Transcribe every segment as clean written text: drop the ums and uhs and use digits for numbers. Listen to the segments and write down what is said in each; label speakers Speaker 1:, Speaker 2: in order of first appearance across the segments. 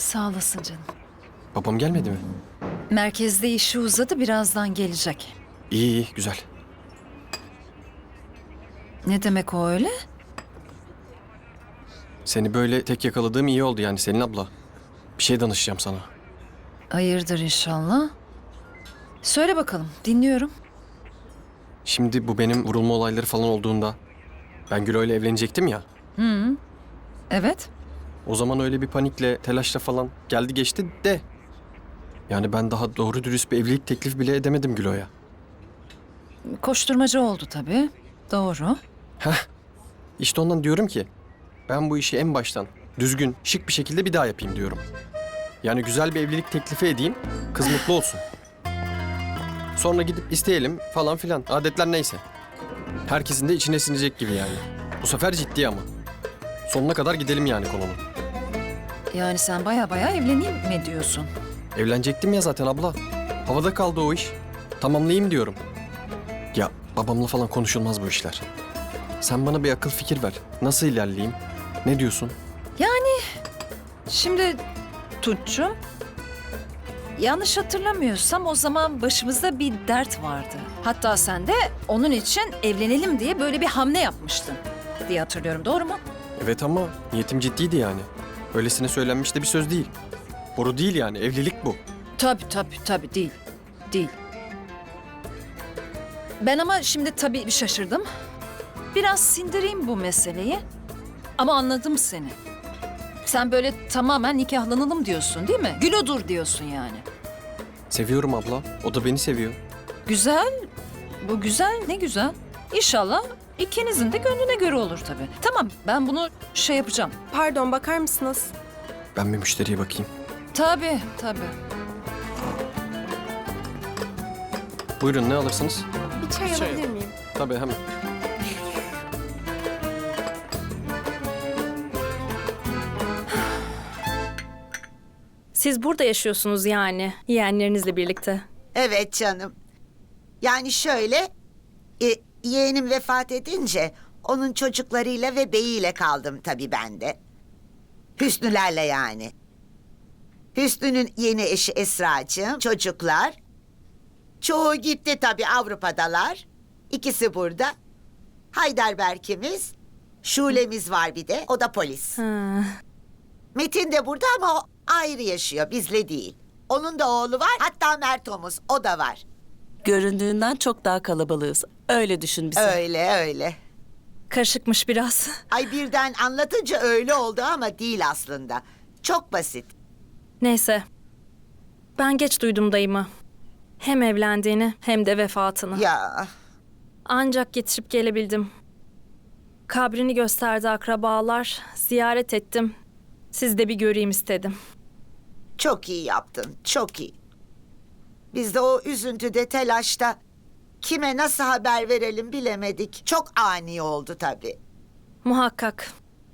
Speaker 1: Sağ olasın canım.
Speaker 2: Babam gelmedi mi?
Speaker 1: Merkezde işi uzadı, birazdan gelecek.
Speaker 2: İyi iyi güzel.
Speaker 1: Ne demek o öyle?
Speaker 2: Seni böyle tek yakaladığım iyi oldu yani Selin abla. Bir şey danışacağım sana.
Speaker 1: Hayırdır inşallah. Söyle bakalım, dinliyorum.
Speaker 2: Şimdi bu benim vurulma olayları falan olduğunda ben Gülo ile evlenecektim ya.
Speaker 1: Evet.
Speaker 2: O zaman öyle bir panikle, telaşla falan geldi geçti de. Yani ben daha doğru dürüst bir evlilik teklifi bile edemedim Gülo'ya.
Speaker 1: Koşturmaca oldu tabii. Doğru.
Speaker 2: İşte ondan diyorum ki ben bu işi en baştan düzgün, şık bir şekilde bir daha yapayım diyorum. Yani güzel bir evlilik teklifi edeyim, kız mutlu olsun. Sonra gidip isteyelim falan filan. Adetler neyse. Herkesin de içine sinecek gibi yani. Bu sefer ciddi ama. Sonuna kadar gidelim yani konunun.
Speaker 1: Yani sen baya evleneyim mi diyorsun?
Speaker 2: Evlenecektim ya zaten abla. Havada kaldı o iş. Tamamlayayım diyorum. Ya babamla falan konuşulmaz bu işler. Sen bana bir akıl fikir ver. Nasıl ilerleyeyim? Ne diyorsun?
Speaker 1: Şimdi Tunç'cum, yanlış hatırlamıyorsam o zaman başımızda bir dert vardı. Hatta sen de onun için evlenelim diye böyle bir hamle yapmıştın diye hatırlıyorum. Doğru mu?
Speaker 2: Evet ama niyetim ciddiydi yani. Öylesine söylenmiş de bir söz değil. Boru değil yani, evlilik bu.
Speaker 1: Tabii değil. Değil. Ben ama şimdi tabii bir şaşırdım. Biraz sindireyim bu meseleyi. Ama anladım seni. Sen böyle tamamen nikahlanalım diyorsun değil mi? Gül odur diyorsun yani.
Speaker 2: Seviyorum abla, o da beni seviyor.
Speaker 1: Güzel. Bu güzel, ne güzel. İnşallah ikinizin de gönlüne göre olur tabii. Tamam, ben bunu şey yapacağım.
Speaker 3: Pardon, bakar mısınız?
Speaker 2: Ben bir müşteriye bakayım.
Speaker 1: Tabii.
Speaker 2: Buyurun, ne alırsınız?
Speaker 3: Bir çay alabilir miyim?
Speaker 2: Tabii hemen.
Speaker 4: Siz burada yaşıyorsunuz yani, yeğenlerinizle birlikte.
Speaker 5: Evet canım. Yani şöyle, yeğenim vefat edince onun çocuklarıyla ve beyiyle kaldım tabii ben de. Hüsnülerle yani. Hüsnü'nün yeni eşi Esracığım, çocuklar. Çoğu gitti tabii, Avrupa'dalar. İkisi burada. Heidelberg'imiz, Şule'miz var bir de, o da polis.
Speaker 4: Ha.
Speaker 5: Metin de burada ama o ayrı yaşıyor, bizle değil. Onun da oğlu var, hatta Mertomuz, o da var.
Speaker 6: Göründüğünden çok daha kalabalığız. Öyle düşün bizi.
Speaker 5: Öyle.
Speaker 4: Karışıkmış biraz.
Speaker 5: Ay birden anlatınca öyle oldu ama değil aslında. Çok basit.
Speaker 4: Neyse. Ben geç duydum dayımı. Hem evlendiğini hem de vefatını.
Speaker 5: Ya
Speaker 4: Ancak yetişip gelebildim. Kabrini gösterdi akrabalar. Ziyaret ettim. Siz de bir göreyim istedim.
Speaker 5: çok iyi yaptın, çok iyi. Biz de o üzüntüde, telaşta kime nasıl haber verelim bilemedik. Çok ani oldu tabii.
Speaker 4: Muhakkak.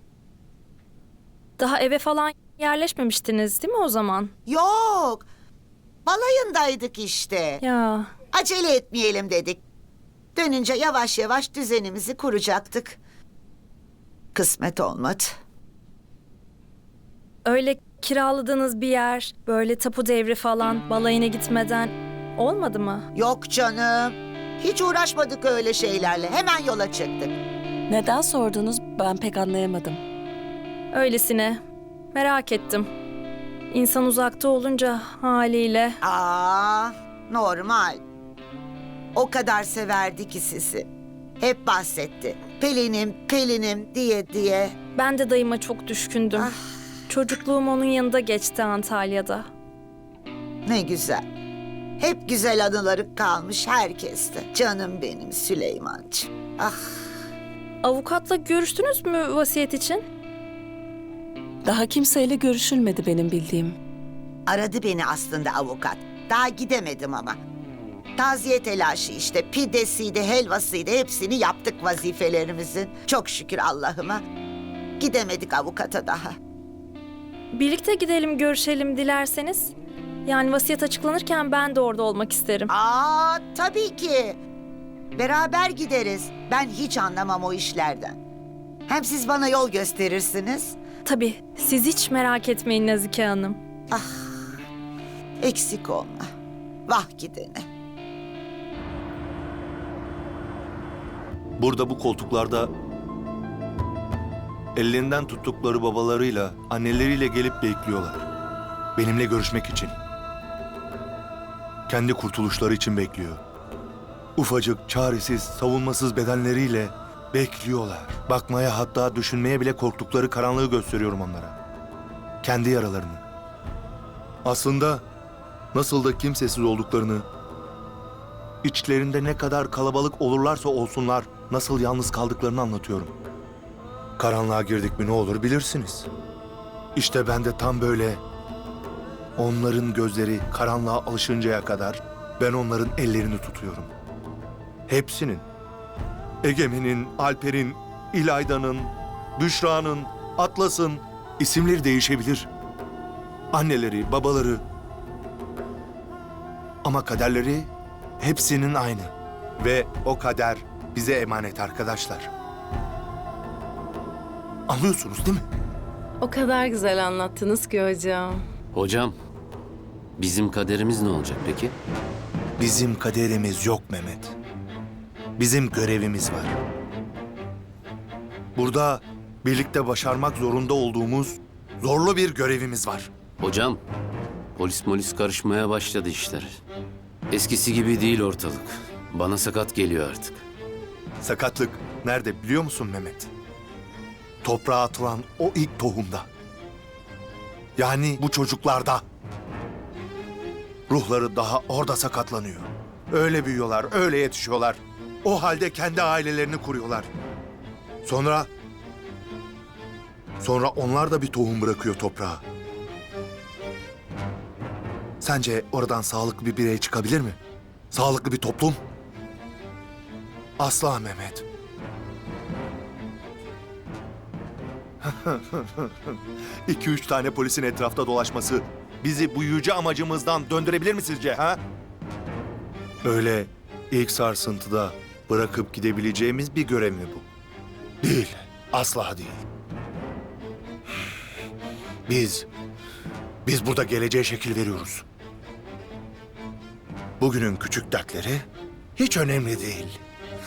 Speaker 4: Daha eve falan yerleşmemiştiniz değil mi o zaman?
Speaker 5: Yok, balayındaydık işte.
Speaker 4: Ya
Speaker 5: Acele etmeyelim dedik. Dönünce yavaş yavaş düzenimizi kuracaktık. Kısmet olmadı.
Speaker 4: öyle kiraladığınız bir yer, böyle tapu devri falan balayına gitmeden olmadı mı?
Speaker 5: Yok canım. Hiç uğraşmadık öyle şeylerle. Hemen yola çıktık.
Speaker 6: Neden sordunuz ben pek anlayamadım.
Speaker 4: Öylesine. Merak ettim. İnsan uzakta olunca haliyle.
Speaker 5: Normal. O kadar severdi ki sizi. Hep bahsetti. Pelinim diye.
Speaker 4: Ben de dayıma çok düşkündüm. Çocukluğum onun yanında geçti Antalya'da.
Speaker 5: Ne güzel. Hep güzel anıları kalmış herkeste. Canım benim Süleymancığım.
Speaker 4: Avukatla görüştünüz mü vasiyet için?
Speaker 6: Daha kimseyle görüşülmedi benim bildiğim.
Speaker 5: Aradı beni aslında avukat. Daha gidemedim ama. Taziye telaşı işte, pidesiydi, helvasıydı, hepsini yaptık vazifelerimizin. Çok şükür Allah'ıma. Gidemedik avukata daha.
Speaker 4: Birlikte gidelim görüşelim dilerseniz. Yani vasiyet açıklanırken ben de orada olmak isterim.
Speaker 5: Tabii ki. Beraber gideriz. Ben hiç anlamam o işlerden. Hem siz bana yol gösterirsiniz.
Speaker 4: Tabii, siz hiç merak etmeyin Nazike Hanım.
Speaker 5: Eksik olma. Vah gidene.
Speaker 7: Burada bu koltuklarda ellerinden tuttukları babalarıyla, anneleriyle gelip bekliyorlar. Benimle görüşmek için. Kendi kurtuluşları için bekliyor. Ufacık, çaresiz, savunmasız bedenleriyle bekliyorlar. Bakmaya, hatta düşünmeye bile korktukları karanlığı gösteriyorum onlara. Kendi yaralarını. Aslında nasıl da kimsesiz olduklarını, içlerinde ne kadar kalabalık olurlarsa olsunlar, nasıl yalnız kaldıklarını anlatıyorum. Karanlığa girdik mi ne olur bilirsiniz. İşte ben de tam böyle onların gözleri karanlığa alışıncaya kadar ben onların ellerini tutuyorum. Hepsinin. Egemen'in, Alper'in, İlayda'nın, Büşra'nın, Atlas'ın isimleri değişebilir. Anneleri, babaları. Ama kaderleri hepsinin aynı. Ve o kader bize emanet arkadaşlar. Anlıyorsunuz değil mi?
Speaker 3: O kadar güzel anlattınız ki hocam.
Speaker 8: Hocam, bizim kaderimiz ne olacak peki?
Speaker 7: Bizim kaderimiz yok Mehmet. Bizim görevimiz var. Burada birlikte başarmak zorunda olduğumuz zorlu bir görevimiz var.
Speaker 8: Hocam, polis karışmaya başladı işler. Eskisi gibi değil ortalık. Bana sakat geliyor artık.
Speaker 7: Sakatlık nerede biliyor musun Mehmet? Toprağa atılan o ilk tohumda. Yani bu çocuklarda. Ruhları daha orada sakatlanıyor. Öyle büyüyorlar, öyle yetişiyorlar. O halde kendi ailelerini kuruyorlar. Sonra onlar da bir tohum bırakıyor toprağa. Sence oradan sağlıklı bir birey çıkabilir mi? Sağlıklı bir toplum? Asla Mehmet. İki üç tane polisin etrafta dolaşması bizi bu yüce amacımızdan döndürebilir mi sizce ha? Öyle ilk sarsıntıda bırakıp gidebileceğimiz bir görev mi bu? Değil, asla değil. Biz burada geleceğe şekil veriyoruz. Bugünün küçük dertleri hiç önemli değil.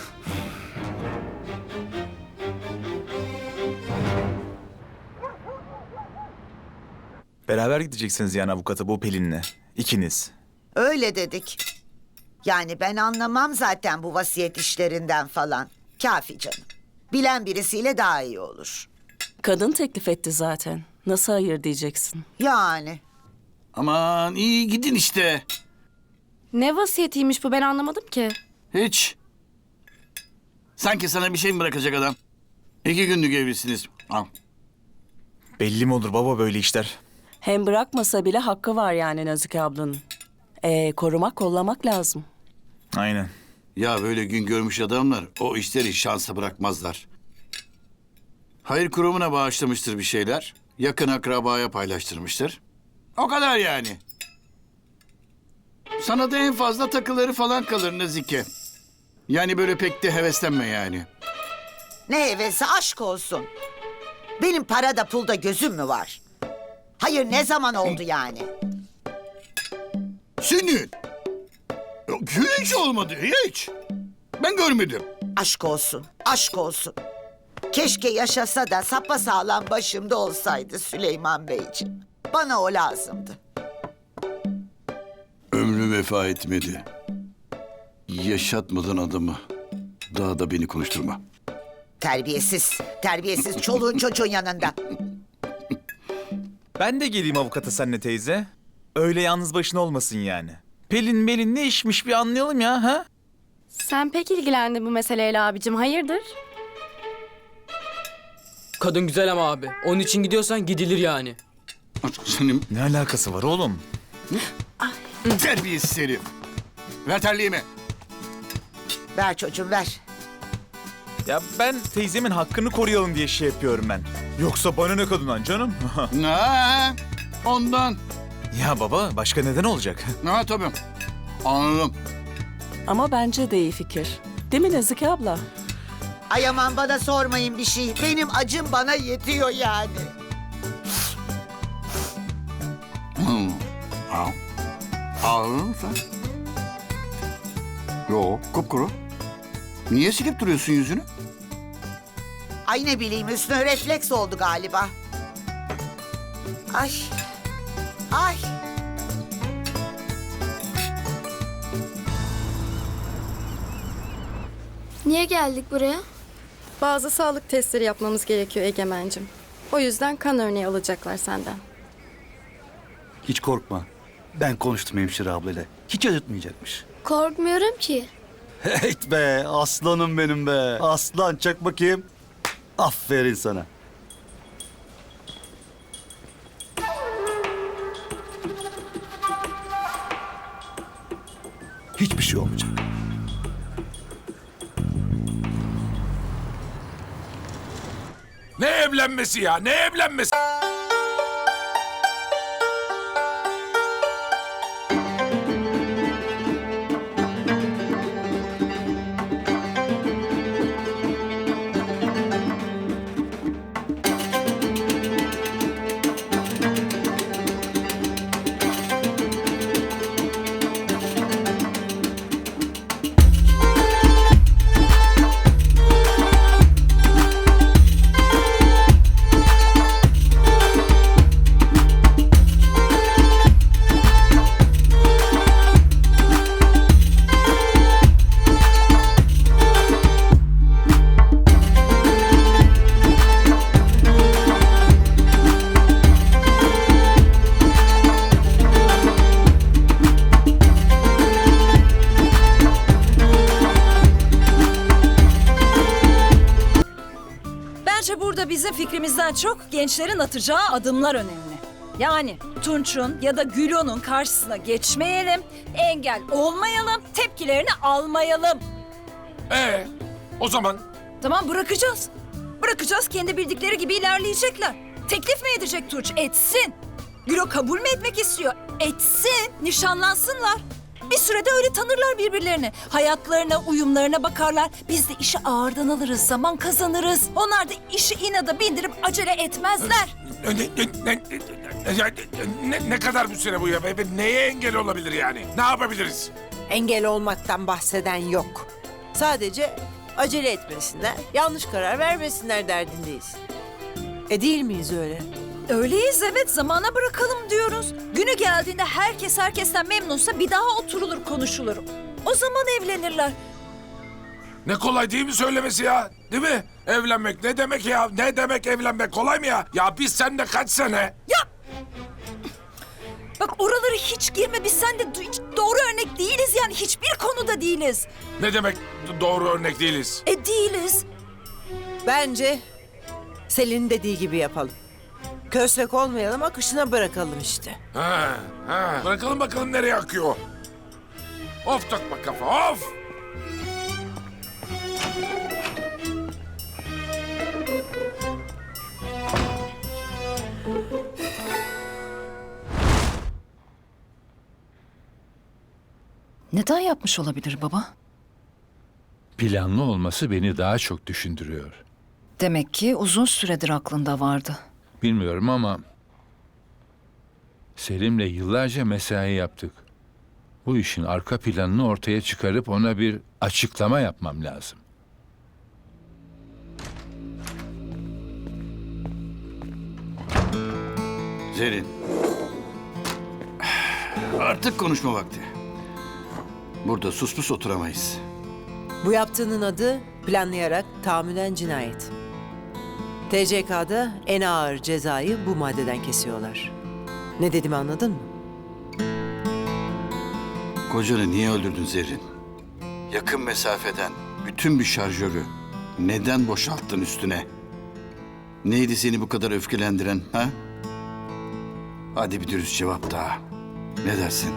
Speaker 9: Beraber gideceksiniz yani avukata bu Pelin'le. İkiniz.
Speaker 5: Öyle dedik. Yani ben anlamam zaten bu vasiyet işlerinden falan. Kafi canım. Bilen birisiyle daha iyi olur.
Speaker 6: Kadın teklif etti zaten. Nasıl hayır diyeceksin?
Speaker 5: Yani.
Speaker 10: Aman iyi gidin işte.
Speaker 3: Ne vasiyetiymiş bu ben anlamadım ki.
Speaker 10: Hiç. Sanki sana bir şey mi bırakacak adam? 2 günlük evlisiniz. Al.
Speaker 9: Belli mi olur baba böyle işler?
Speaker 6: Hem bırakmasa bile hakkı var yani Nazike ablanın. Korumak, kollamak lazım.
Speaker 9: Aynen.
Speaker 10: Ya böyle gün görmüş adamlar o işleri şansa bırakmazlar. Hayır kurumuna bağışlamıştır bir şeyler. Yakın akrabaya paylaştırmıştır. O kadar yani. Sana da en fazla takıları falan kalır Nazike. Yani böyle pek de heveslenme yani.
Speaker 5: Ne hevesi aşk olsun. Benim parada pulda gözüm mü var? Hayır ne zaman oldu yani?
Speaker 10: Senin. Yok, hiç olmadı hiç. Ben görmedim.
Speaker 5: Aşk olsun, aşk olsun. Keşke yaşasa da sapasağlam başımda olsaydı Süleyman Beyciğim. Bana o lazımdı.
Speaker 10: Ömrü vefa etmedi. Yaşatmadın adamı. Daha da beni konuşturma.
Speaker 5: Terbiyesiz, terbiyesiz çoluğun çocuğun yanında.
Speaker 9: Ben de geleyim avukata seninle teyze. Öyle yalnız başına olmasın yani. Pelin ne işmiş bir anlayalım ya ha?
Speaker 3: Sen pek ilgilendin bu meseleyle abicim hayırdır?
Speaker 11: Kadın güzel ama abi. Onun için gidiyorsan gidilir yani.
Speaker 10: Senin
Speaker 9: Ne alakası var oğlum?
Speaker 10: terbiyesiz herif. Ver terliğimi.
Speaker 5: Ver çocuğum ver.
Speaker 9: Ya ben teyzemin hakkını koruyalım diye şey yapıyorum ben. Yoksa bana ne kadından canım?
Speaker 10: Ha, ondan.
Speaker 9: Ya baba başka neden olacak?
Speaker 10: Ha tabii. Anladım.
Speaker 6: Ama bence de iyi fikir. Değil mi Nazike abla?
Speaker 5: Ay aman bana sormayın bir şey. Benim acım bana yetiyor yani.
Speaker 10: Ağladın mı sen? Yo, kupkuru. Niye silip duruyorsun yüzünü?
Speaker 5: Ay ne bileyim üstüne refleks oldu galiba. Ay. Ay.
Speaker 3: Niye geldik buraya? Bazı sağlık testleri yapmamız gerekiyor Egemen'cim. O yüzden kan örneği alacaklar senden.
Speaker 12: Hiç korkma. Ben konuştum hemşire ablayla. Hiç acıtmayacakmış.
Speaker 3: Korkmuyorum ki.
Speaker 12: Heyt be, aslanım benim be. Aslan, çak bakayım. Aferin sana. Hiçbir şey olmayacak.
Speaker 13: Ne evlenmesi ya? Ne evlenmesi?
Speaker 1: Bence burada bizim fikrimizden çok gençlerin atacağı adımlar önemli. Yani Tunç'un ya da Gülo'nun karşısına geçmeyelim, engel olmayalım, tepkilerini almayalım.
Speaker 13: O zaman
Speaker 1: Tamam bırakacağız. Bırakacağız, kendi bildikleri gibi ilerleyecekler. Teklif mi edecek Tunç? Etsin. Gülo kabul mü etmek istiyor? Etsin. Nişanlansınlar. Bir sürede öyle tanırlar birbirlerini. Hayatlarına, uyumlarına bakarlar. Biz de işi ağırdan alırız, zaman kazanırız. Onlar da işi inada bindirip acele etmezler.
Speaker 13: ne kadar bu süre bu ya? Neye engel olabilir yani? Ne yapabiliriz?
Speaker 14: Engel olmaktan bahseden yok. Sadece acele etmesinler, yanlış karar vermesinler derdindeyiz. Değil miyiz öyle?
Speaker 1: Öyleyiz evet, zamana bırakalım diyoruz. Günü geldiğinde herkes herkesten memnunsa bir daha oturulur konuşulur. O zaman evlenirler.
Speaker 13: Ne kolay değil mi söylemesi ya? Değil mi? Evlenmek ne demek ya? Ne demek evlenmek? Kolay mı ya? Ya biz seninle kaç sene?
Speaker 1: Bak oralara hiç girme, biz seninle hiç doğru örnek değiliz yani, hiçbir konuda değiliz.
Speaker 13: Ne demek doğru örnek değiliz?
Speaker 1: Değiliz.
Speaker 14: Bence Selin'in dediği gibi yapalım. Köstek olmayalım, akışına bırakalım işte.
Speaker 13: Bırakalım bakalım nereye akıyor. Of takma kafa, of!
Speaker 1: Neden yapmış olabilir baba?
Speaker 13: Planlı olması beni daha çok düşündürüyor.
Speaker 1: Demek ki uzun süredir aklında vardı.
Speaker 13: Bilmiyorum ama Selim'le yıllarca mesai yaptık. Bu işin arka planını ortaya çıkarıp ona bir açıklama yapmam lazım.
Speaker 10: Zerrin. Artık konuşma vakti. Burada sus pus oturamayız.
Speaker 14: Bu yaptığının adı planlayarak tahammüden cinayet. TCK'da en ağır cezayı bu maddeden kesiyorlar. Ne dediğimi anladın mı?
Speaker 10: Kocanı niye öldürdün Zerrin? Yakın mesafeden bütün bir şarjörü neden boşalttın üstüne? Neydi seni bu kadar öfkelendiren ha? Hadi bir dürüst cevap daha. Ne dersin?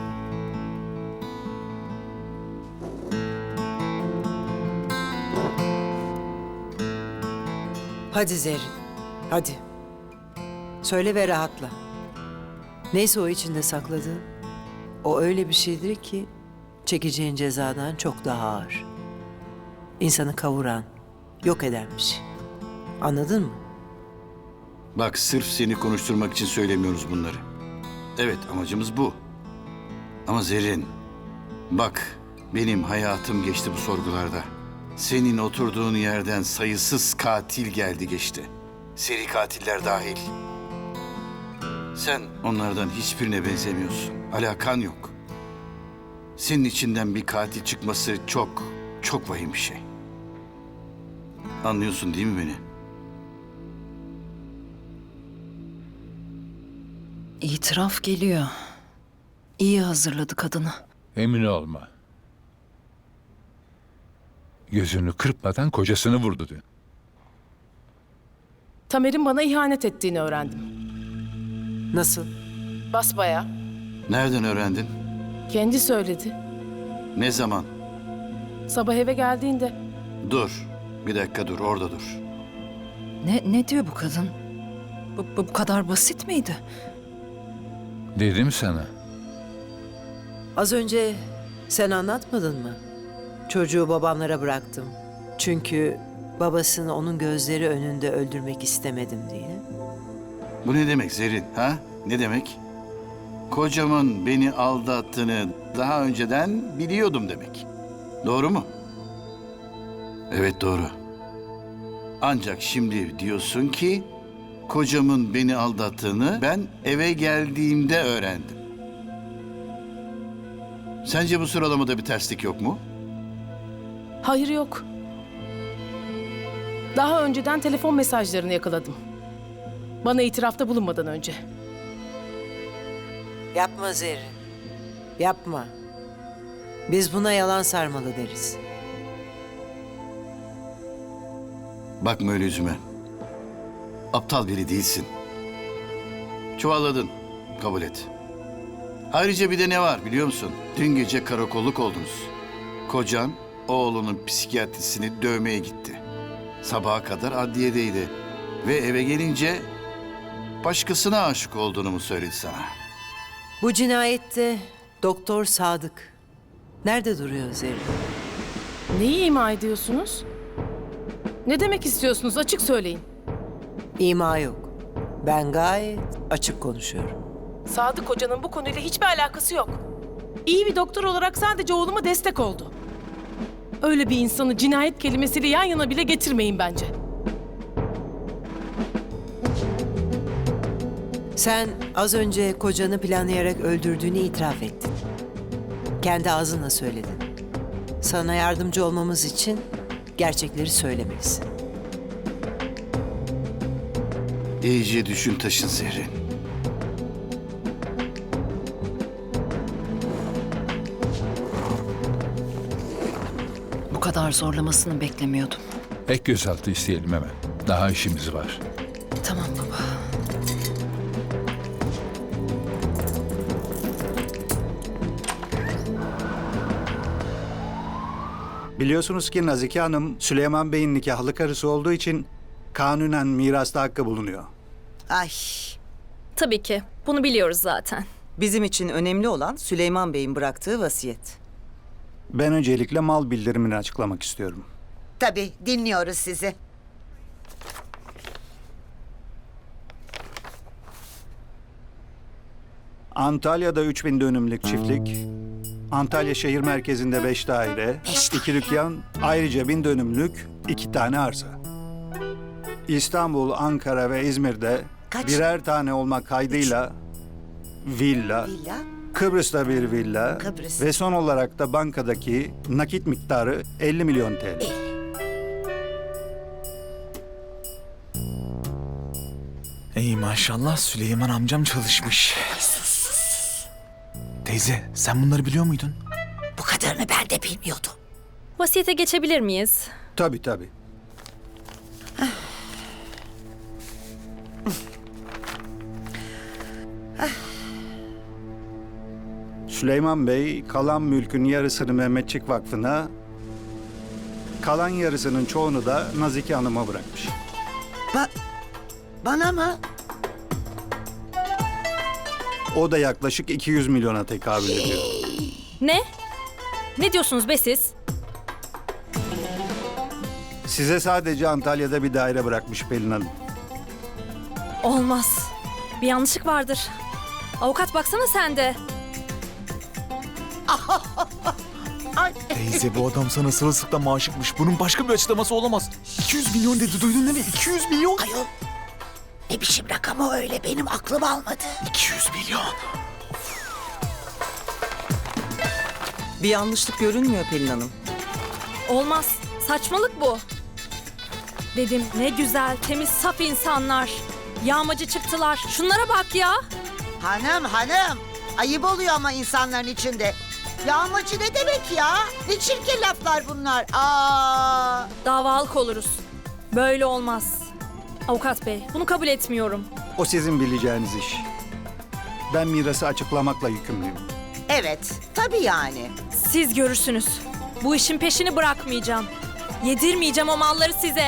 Speaker 14: Hadi Zerrin, hadi. Söyle ve rahatla. Neyse o içinde sakladığın, o öyle bir şeydir ki çekeceğin cezadan çok daha ağır. İnsanı kavuran, yok eden bir şey. Anladın mı?
Speaker 10: Bak sırf seni konuşturmak için söylemiyoruz bunları. Evet, amacımız bu. Ama Zerrin, bak benim hayatım geçti bu sorgularda. Senin oturduğun yerden sayısız katil geldi geçti. Seri katiller dahil. Sen onlardan hiçbirine benzemiyorsun. Alakan yok. Senin içinden bir katil çıkması çok, çok vahim bir şey. Anlıyorsun değil mi beni?
Speaker 1: İtiraf geliyor. İyi hazırladı kadını.
Speaker 13: Emin olma. Gözünü kırpmadan kocasını vurdu dün.
Speaker 15: Tamer'in bana ihanet ettiğini öğrendim.
Speaker 14: Nasıl?
Speaker 15: Basbayağı.
Speaker 10: Nereden öğrendin?
Speaker 15: Kendi söyledi.
Speaker 10: Ne zaman?
Speaker 15: Sabah eve geldiğinde.
Speaker 10: Dur. Bir dakika dur, orada dur.
Speaker 1: Ne diyor bu kadın? Bu kadar basit miydi?
Speaker 13: Dedim sana.
Speaker 14: Az önce sen anlatmadın mı? Çocuğu babamlara bıraktım. Çünkü babasını onun gözleri önünde öldürmek istemedim diye.
Speaker 10: Bu ne demek Zerrin, ha? Ne demek? Kocamın beni aldattığını daha önceden biliyordum demek. Doğru mu? Evet, doğru. Ancak şimdi diyorsun ki kocamın beni aldattığını ben eve geldiğimde öğrendim. Sence bu sıralamada bir terslik yok mu?
Speaker 15: Hayır, yok. Daha önceden telefon mesajlarını yakaladım. Bana itirafta bulunmadan önce.
Speaker 14: Yapma Zerrin. Yapma. Biz buna yalan sarmalı deriz.
Speaker 10: Bakma öyle yüzüme. Aptal biri değilsin. Çuvalladın. Kabul et. Ayrıca bir de ne var biliyor musun? Dün gece karakolluk oldunuz. Kocan oğlunun psikiyatrisini dövmeye gitti. Sabaha kadar adliyedeydi. Ve eve gelince başkasına aşık olduğunu mu söyledi sana?
Speaker 14: Bu cinayette Doktor Sadık nerede duruyor Zerrin?
Speaker 15: Neyi ima ediyorsunuz? Ne demek istiyorsunuz? Açık söyleyin.
Speaker 14: İma yok. Ben gayet açık konuşuyorum.
Speaker 15: Sadık Hoca'nın bu konuyla hiçbir alakası yok. İyi bir doktor olarak sadece oğluma destek oldu. Öyle bir insanı cinayet kelimesiyle yan yana bile getirmeyin bence.
Speaker 14: Sen az önce kocanı planlayarak öldürdüğünü itiraf ettin. Kendi ağzınla söyledin. Sana yardımcı olmamız için gerçekleri söylemelisin.
Speaker 10: İyice düşün taşın Zerrin.
Speaker 1: Bu kadar zorlamasını beklemiyordum.
Speaker 13: Ek gözaltı isteyelim hemen. Daha işimiz var.
Speaker 1: Tamam baba.
Speaker 12: Biliyorsunuz ki Nazike Hanım Süleyman Bey'in nikahlı karısı olduğu için kanunen mirasta hakkı bulunuyor.
Speaker 5: Ay.
Speaker 4: Tabii ki. Bunu biliyoruz zaten.
Speaker 16: Bizim için önemli olan Süleyman Bey'in bıraktığı vasiyet.
Speaker 12: Ben öncelikle mal bildirimini açıklamak istiyorum.
Speaker 5: Tabii dinliyoruz sizi.
Speaker 12: Antalya'da 3000 dönümlük çiftlik, Antalya şehir merkezinde 5 daire, 2 dükkan, ayrıca 1000 dönümlük 2 tane arsa. İstanbul, Ankara ve İzmir'de birer tane olmak kaydıyla villa, Kıbrıs'ta bir villa ve son olarak da bankadaki nakit miktarı 50 milyon TL.
Speaker 9: Ey maşallah Süleyman amcam çalışmış. Teyze sen bunları biliyor muydun?
Speaker 5: Bu kadarını ben de bilmiyordum.
Speaker 4: Vasiyete geçebilir miyiz?
Speaker 12: Tabii tabii. Süleyman Bey kalan mülkün yarısını Mehmetçik Vakfı'na, kalan yarısının çoğunu da Nazike Hanım'a bırakmış.
Speaker 5: Bana mı?
Speaker 12: O da yaklaşık 200 milyona tekabül ediyor.
Speaker 4: Ne? Ne diyorsunuz be siz?
Speaker 12: Size sadece Antalya'da bir daire bırakmış Pelin Hanım.
Speaker 4: Olmaz. Bir yanlışlık vardır. Avukat baksana sen de.
Speaker 9: Teyze bu adam sana sırılsıklam aşıkmış. Bunun başka bir açıklaması olamaz. 200 milyon dedi, duydun değil mi? 200 milyon.
Speaker 5: Ayol, ne biçim rakam o öyle, benim aklım almadı.
Speaker 9: 200 milyon.
Speaker 16: Bir yanlışlık görünmüyor Pelin Hanım.
Speaker 4: Olmaz. Saçmalık bu. Dedim ne güzel, temiz, saf insanlar. Yağmacı çıktılar. Şunlara bak ya.
Speaker 5: Hanım, ayıp oluyor ama insanların içinde. Yağmacı ne demek ya? Ne çirkin laflar bunlar. Aa!
Speaker 4: Davalık oluruz. Böyle olmaz. Avukat bey, bunu kabul etmiyorum.
Speaker 12: O sizin bileceğiniz iş. Ben mirası açıklamakla yükümlüyüm.
Speaker 5: Evet, tabii yani.
Speaker 4: Siz görürsünüz. Bu işin peşini bırakmayacağım. Yedirmeyeceğim o malları size.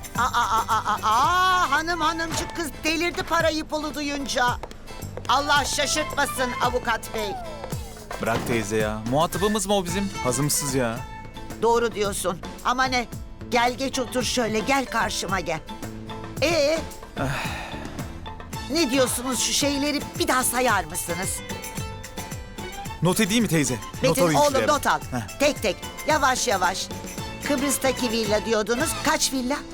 Speaker 5: Hanımcık kız delirdi parayı pulu duyunca. Allah şaşırtmasın avukat bey.
Speaker 9: Bırak teyze ya. Muhatabımız mı o bizim? Hazımsız ya.
Speaker 5: Doğru diyorsun. Ama ne? Gel geç otur şöyle, gel karşıma gel. Ne diyorsunuz, şu şeyleri bir daha sayar mısınız?
Speaker 9: Not edeyim mi teyze? Not
Speaker 5: Metin
Speaker 9: alayım
Speaker 5: oğlum
Speaker 9: şuraya ben.
Speaker 5: not al. Tek tek, yavaş yavaş. Kıbrıs'taki villa diyordunuz. Kaç villa?